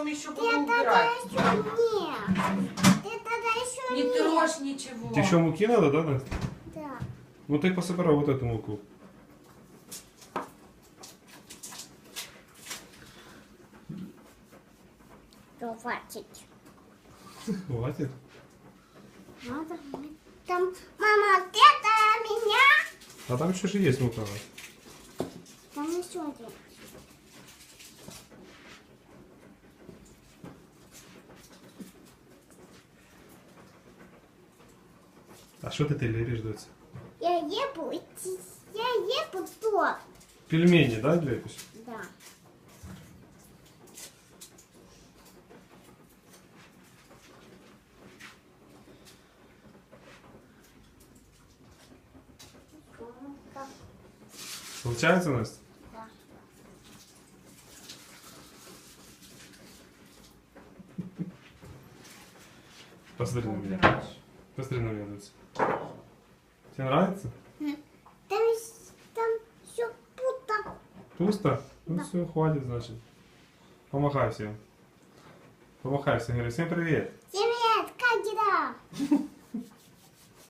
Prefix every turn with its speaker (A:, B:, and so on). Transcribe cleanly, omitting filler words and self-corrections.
A: еще буду
B: Ты тогда
A: убирать.
B: еще нет. Ты тогда еще
A: Не
B: нет.
A: трожь ничего.
C: Тебе еще муки надо, да, Настя?
B: Да.
C: Ну ты пособирай вот эту муку.
B: То хватит.
C: Хватит.
B: Надо. Там, мама, где-то меня.
C: А там еще же есть мука.
B: Там еще один.
C: А что ты лепишь, дочь?
B: Я ебу торт.
C: Пельмени, да, лепишь?
B: Да.
C: Получается, Настя?
B: Да.
C: Посмотри на меня.
A: Убираешь.
C: Посмотри на меня, дочь. Тебе нравится?
B: Там все пусто.
C: Пусто? Ну
B: Да.
C: все, хватит, значит. Помахай всем. Помахай всем, говори, всем привет.
B: Привет, как дела?